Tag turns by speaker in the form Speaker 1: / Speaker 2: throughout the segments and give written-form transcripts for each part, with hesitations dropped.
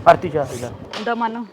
Speaker 1: आरतीच्या आईला
Speaker 2: दमानं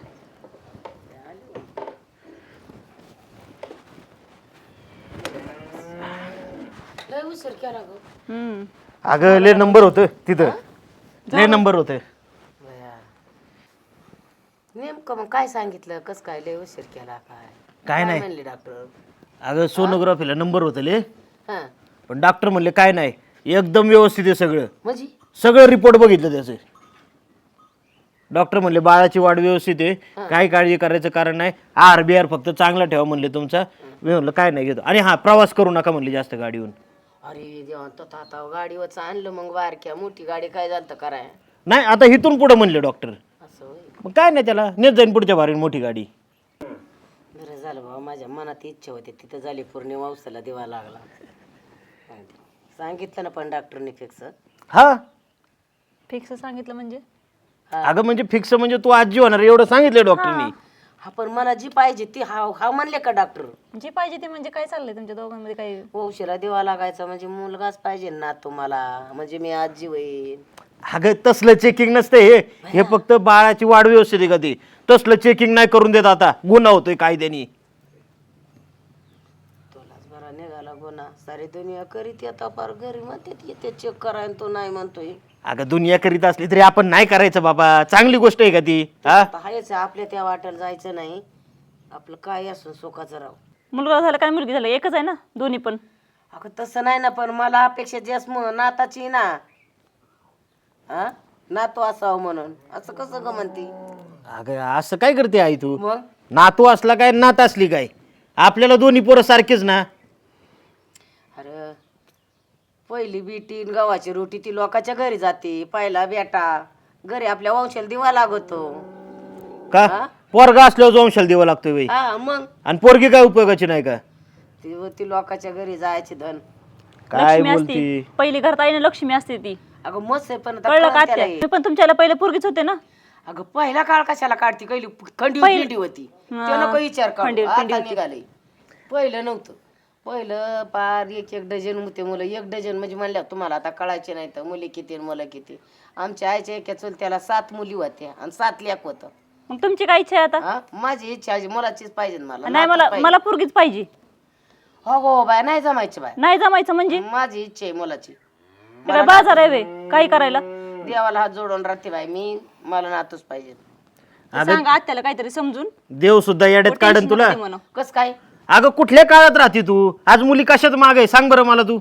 Speaker 3: लय उशीर केला गं.
Speaker 1: अगं लय नंबर होतं तिथं लय नंबर होते
Speaker 3: बया. नेमकं मग काय सांगितलं कस काय लय उशीर केला
Speaker 1: काय नाही.
Speaker 3: म्हणले डॉक्टर?
Speaker 1: अगं सोनोग्राफीला नंबर होतं ले
Speaker 3: हा
Speaker 1: पण डॉक्टर म्हणले काय नाही एकदम व्यवस्थित आहे सगळं
Speaker 3: म्हणजे
Speaker 1: सगळं रिपोर्ट बघितलं त्याचे डॉक्टर म्हणले बाळाची वाढ व्यवस्थित आहे काही काळजी करायचं कारण नाही आहार बिहार फक्त चांगला ठेवा म्हणले तुमचा मी म्हणलं काय नाही घेतो आणि हा प्रवास करू नका म्हणले जास्त गाडीहून
Speaker 3: अरे देवा तो आता गाडीवरच आणलं मग बारक्या मोठी गाडी काय झालं कराय
Speaker 1: नाही आता इथून पुढे म्हणले डॉक्टर
Speaker 3: असं होय.
Speaker 1: मग काय नाही त्याला नेत जाईन पुढच्या बारीन मोठी गाडी
Speaker 3: बरं झालं बाबा माझ्या मनात इच्छा होती तिथं झाली पूर्ण वावसाला दिवा लागला सांगितलं ना पण डॉक्टरने फिक्स
Speaker 1: हा
Speaker 2: फिक्स सांगितलं म्हणजे
Speaker 1: अगं म्हणजे फिक्स म्हणजे तू आजी होणार एवढं सांगितलं डॉक्टरनी
Speaker 3: हा पण मला जी पाहिजे ती हा म्हणले का डॉक्टर
Speaker 2: जी पाहिजे ते म्हणजे काय चाललंय तुमच्या दोघांमध्ये काही
Speaker 3: वंशीला दिवा लागायचा म्हणजे मुलगाच पाहिजे ना तुम्हाला म्हणजे मी आजी होईल
Speaker 1: अगं तसलं चेकिंग नसते हे फक्त बाळाची वाढ व्यवस्थित आहे का ती तसलं चेकिंग नाही करून देत आता गुन्हा होतोय कायद्यानी
Speaker 3: तुलाच बरा निघाला गुन्हा सारी दुनिया करीत येता फार घरी म्हणते येते चेक करायला तो नाही म्हणतोय
Speaker 1: अगं दुनिया करीत असली तरी आपण नाही करायचं बाबा चांगली गोष्ट आहे का ती हा
Speaker 3: आता हायच आपल्या त्या वाटेला जायचं नाही आपलं काय असून सुखाचं राव
Speaker 2: मुलगा झाला काय मुलगी झालं एकच आहे ना दोन्ही पण
Speaker 3: अगं तसं नाही ना पण मला अपेक्षा जास्त नाताची ना हा नातू असावं म्हणून असं कसं ग म्हणती
Speaker 1: अगं असं काय करते आई तू
Speaker 3: मग
Speaker 1: नातू असला काय नात असली काय आपल्याला दोन्ही पोरं सारखेच ना
Speaker 3: अरे पहिली बीटी न गव्हाची रोटी ती लोकांच्या घरी जाते पहिला बेटा घरी आपल्या वंशाला दिवा लागतो
Speaker 1: का पोरगा असल्यावर वंशाला द्यावा लागतोय बाई
Speaker 3: हा मग
Speaker 1: आणि पोरगी काय उपयोगाची नाही का
Speaker 3: ती लोकांच्या घरी जायची धन
Speaker 1: काय
Speaker 2: लक्ष्मी
Speaker 1: बोलती
Speaker 2: असती पहिली घरात आईने लक्ष्मी असते ती
Speaker 3: अगं मस्त आहे पण आता
Speaker 2: कळलं का
Speaker 3: कळतं त्याला
Speaker 2: आत्या
Speaker 3: हे.
Speaker 2: मी पण तुमच्याला पहिले पोरगीच होते ना
Speaker 3: अगं पहिला काळ कशाला काढती पहिली खंडी होती ते नको विचार
Speaker 2: खंडी
Speaker 3: काढ आता निघाले पहिलं नव्हतं पहिलं पार एक डझन होते मुलं एक डझन म्हणजे म्हणल्या तुम्हाला आता कळायचे नाही तर मुली किती आणि मुलं किती आमच्या आईच्या एका चुलत्याला 7 मुली होत्या आणि 7 लेक होतं
Speaker 2: मग तुमची काय इच्छा आहे आता
Speaker 3: हा माझी इच्छा आहे मुलाचीच पाहिजे मला
Speaker 2: नाही मला मला पोरगीच पाहिजे
Speaker 3: हो गो बाय नाही जमायची बाय
Speaker 2: नाही जमायचं म्हणजे
Speaker 3: माझी इच्छा आहे मुलाची
Speaker 2: ते काय बाजार आहे वे काही करायला
Speaker 3: देवाला हात जोडून राहते बाय मी मला नातूच पाहिजे
Speaker 2: सांगा आत्याला काहीतरी समजून
Speaker 1: देव सुद्धा येड्यात काढन तुला
Speaker 2: म्हणा
Speaker 3: कस काय
Speaker 1: अगं कुठल्या काळात राहते तू आज मुली कशात माग आहे सांग बरं मला तू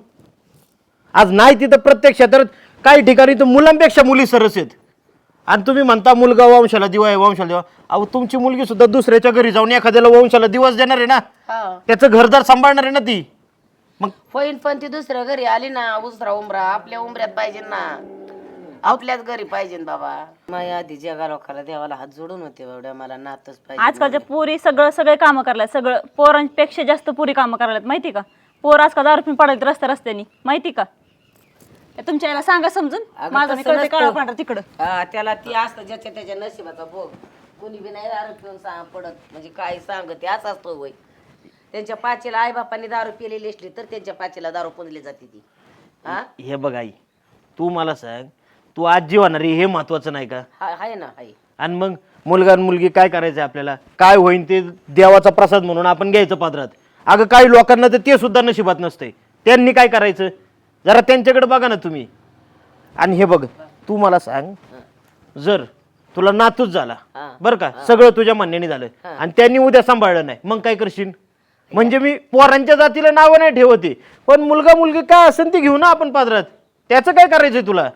Speaker 1: आज नाही तिथं प्रत्येक क्षेत्रात काही ठिकाणी तर मुलांपेक्षा मुली सरस आहेत आणि तुम्ही म्हणता मुलगा वंशाला दिवा आहे वंशाला दिवा अहो तुमची मुलगी सुद्धा दुसऱ्याच्या घरी जाऊन एखाद्याला वंशाला दिवस देणार आहे ना
Speaker 3: हा
Speaker 1: त्याचं घरदार सांभाळणार आहे ना ती मग
Speaker 3: होईन पण ती दुसऱ्या घरी आली ना दुसरा उमरा आपल्या उमऱ्यात पाहिजे ना आपल्याच घरी पाहिजे ना बाबा माझ्या आधी जगा लोकाला देवाला हात जोडून होते एवढ्या मला नातच पाहिजे
Speaker 2: आजकालच्या पोरी सगळे कामं करायला सगळं पोरांपेक्षा जास्त पोरी कामं करायला माहिती का पोर आजकाल दारू पिऊन पडायला रस्त्याने माहिती का तुमच्या याला सांगा समजून माझं मी कळते काळा पांढरा तिकडं
Speaker 3: हा त्याला ती असतं ज्याच्या त्याच्या नशिबाचा भोग कोणी बी नाही दारू पिऊन पडत म्हणजे काय सांगते असं असतो वय त्यांच्या पाचीला आई बापांनी दारू पिलेली असली तर त्यांच्या पाचीला दारू पुंजली जाते ती हा
Speaker 1: हे बघ आई तू मला सांग तू आजी होणार आहे हे महत्वाचं नाही का
Speaker 3: आहे ना आहे
Speaker 1: आणि मग मुलगा आणि मुलगी काय करायचं आपल्याला काय होईन ते देवाचा प्रसाद म्हणून आपण घ्यायचं पात्रात अगं काही लोकांना तर ते सुद्धा नशिबात नसते त्यांनी काय करायचं जरा त्यांच्याकडे बघा ना तुम्ही आणि हे बघ तू मला सांग जर तुला नातूच झाला बरं का सगळं तुझ्या म्हणण्याने झालं आणि त्यांनी उद्या सांभाळलं नाही मग काय करशील म्हणजे मी पोरांच्या जातीला नावं नाही ठेवते पण मुलगा मुलगी काय असेल ती घेऊ ना आपण पात्रात त्याचं काय करायचंय तुला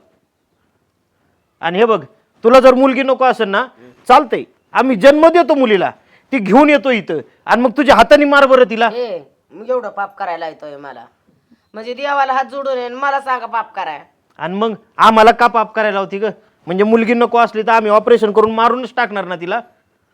Speaker 1: आणि हे बघ तुला जर मुलगी नको असेल ना चालतंय आम्ही जन्म देतो मुलीला ती घेऊन येतो इथं आणि मग तुझ्या हाताने मार बरं तिला
Speaker 3: मग एवढं पाप करायला येतोय मला म्हणजे देवाला हात जोडून येईन मला सांगा पाप कराय
Speaker 1: आणि मग आम्हाला का पाप करायला होती ग म्हणजे मुलगी नको असली तर आम्ही ऑपरेशन करून मारूनच टाकणार ना तिला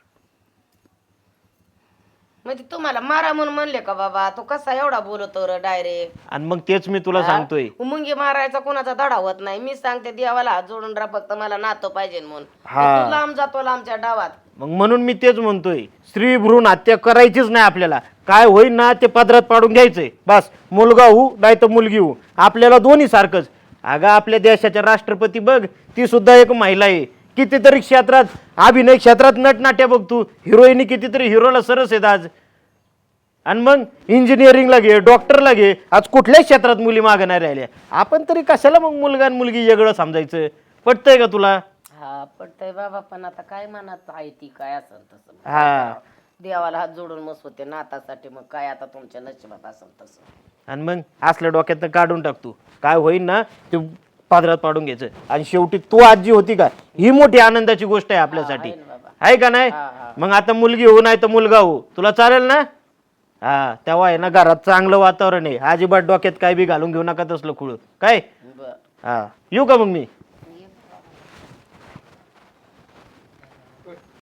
Speaker 3: म्हणजे तुम्हाला मारा म्हणून म्हणले का बाबा तू कसा एवढा बोलतो र डायरेक्ट
Speaker 1: आणि मग तेच मी तुला सांगतोय
Speaker 3: मुंगी मारायचा कोणाचा धडा होत नाही मी सांगते देवाला हात जोडून राहा फक्त मला नातं पाहिजे म्हणून तू लांब जातो लांबच्या डावात
Speaker 1: मग म्हणून मी तेच म्हणतोय स्त्री भ्रूण हत्या करायचीच नाही आपल्याला काय होईल ना ते पदरात पाडून घ्यायचंय बस मुलगा होऊ नाही तर मुलगी होऊ आपल्याला दोन्ही सारखंच अगं आपल्या देशाच्या राष्ट्रपती बघ ती सुद्धा एक महिला आहे कितीतरी क्षेत्रात, अभिनय क्षेत्रात नटनाट्या बघ तू, हिरोईनी कितीतरी हिरोला सरस आहेत आज. आणि मग इंजिनिअरिंगला घे, डॉक्टरला घे, आज कुठल्याच क्षेत्रात मुली मागं नाही राहिल्या. आपण तरी कशाला मग मुलगा आणि मुलगी वेगळं समजायचं? पटतंय का तुला?
Speaker 3: हा पडतंय बाबा, पण आता काय मनात आहे ती काय असेल तसं.
Speaker 1: हा.
Speaker 3: देवाला हात जोडून मस्त होते नातासाठी, मग काय आता तुमच्या नशिबात असेल तसं.
Speaker 1: आणि मग असल्या डोक्यातनं काढून टाकतो, काय होईल ना ते पादरात पाडून घ्यायचं. आणि शेवटी तू आजी होती का, ही मोठी आनंदाची गोष्ट आहे आपल्यासाठी,
Speaker 3: आहे ना बाबा.
Speaker 1: आहे का नाही? मग आता मुलगी हो नाही तर मुलगा हो, तुला चालेल ना? हा, तेव्हा आहे ना घरात चांगलं वातावरण आहे. अजिबात डोक्यात काय बी घालून घेऊ नका तसलं खुळ काय.
Speaker 3: बर
Speaker 1: हा, येऊ का मग मी?